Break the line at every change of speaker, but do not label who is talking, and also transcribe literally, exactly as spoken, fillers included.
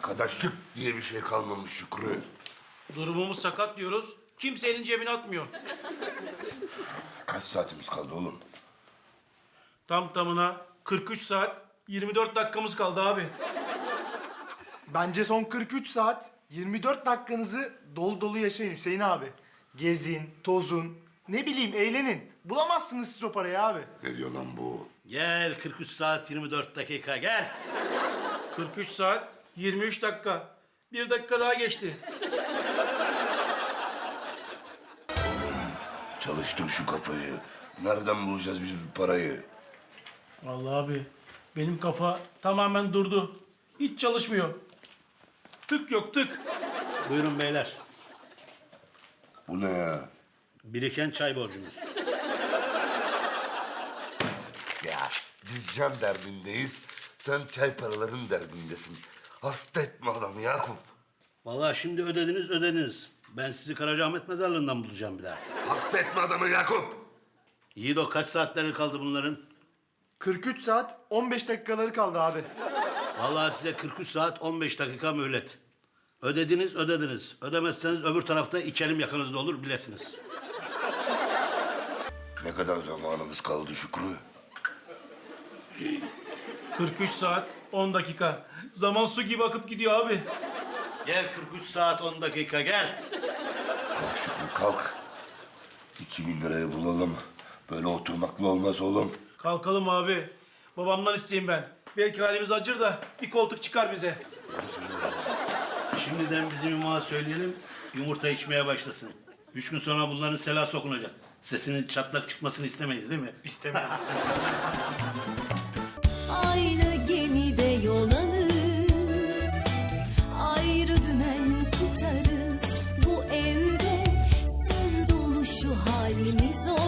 Arkadaşlık diye bir şey kalmamış Şükrü.
Durumumuz sakat diyoruz. Kimse elini cebine atmıyor.
Kaç saatimiz kaldı oğlum?
Tam tamına kırk üç saat yirmi dört dakikamız kaldı abi.
Bence son kırk üç saat yirmi dört dakikanızı dolu dolu yaşayın Hüseyin abi. Gezin, tozun, ne bileyim eğlenin. Bulamazsınız siz o parayı abi.
Ne diyor lan bu?
Gel kırk üç saat yirmi dört dakika gel.
kırk üç saat yirmi üç dakika. Bir dakika daha geçti.
Çalıştır şu kafayı. Nereden bulacağız biz bu parayı?
Vallahi abi benim kafa tamamen durdu. Hiç çalışmıyor. Tık yok tık.
Buyurun beyler.
Bu ne ya?
Biriken çay borcunuz.
Ya biz can derdindeyiz. Sen çay paraların derdindesin. Hasta etme adamı Yakup.
Vallahi şimdi ödediniz ödediniz. Ben sizi Karacaahmet mezarlığından bulacağım bir daha.
Hasta etme adamı Yakup.
Yiğido kaç saatleri kaldı bunların?
kırk üç saat on beş dakikaları kaldı abi.
Vallahi size kırk üç saat on beş dakika mühlet. Ödediniz ödediniz. Ödemezseniz öbür tarafta içerim yakınızda olur bilesiniz.
Ne kadar zamanımız kaldı Şükrü?
kırk üç saat on dakika. Zaman su gibi akıp gidiyor abi.
Gel kırk üç saat on dakika gel.
Kalk Şükrü kalk. İki bin liraya bulalım. Böyle oturmakla olmaz oğlum.
Kalkalım abi. Babamdan isteyeyim ben. Belki halimiz acır da bir koltuk çıkar bize.
Şimdiden bizim imağa söyleyelim yumurta içmeye başlasın. Üç gün sonra bunların sela sokunacak. Sesinin çatlak çıkmasını istemeyiz değil mi?
İstemiyorum.
Aynı gemide yol alır, ayrı dümen tutarız. Bu evde sır dolu şu halimiz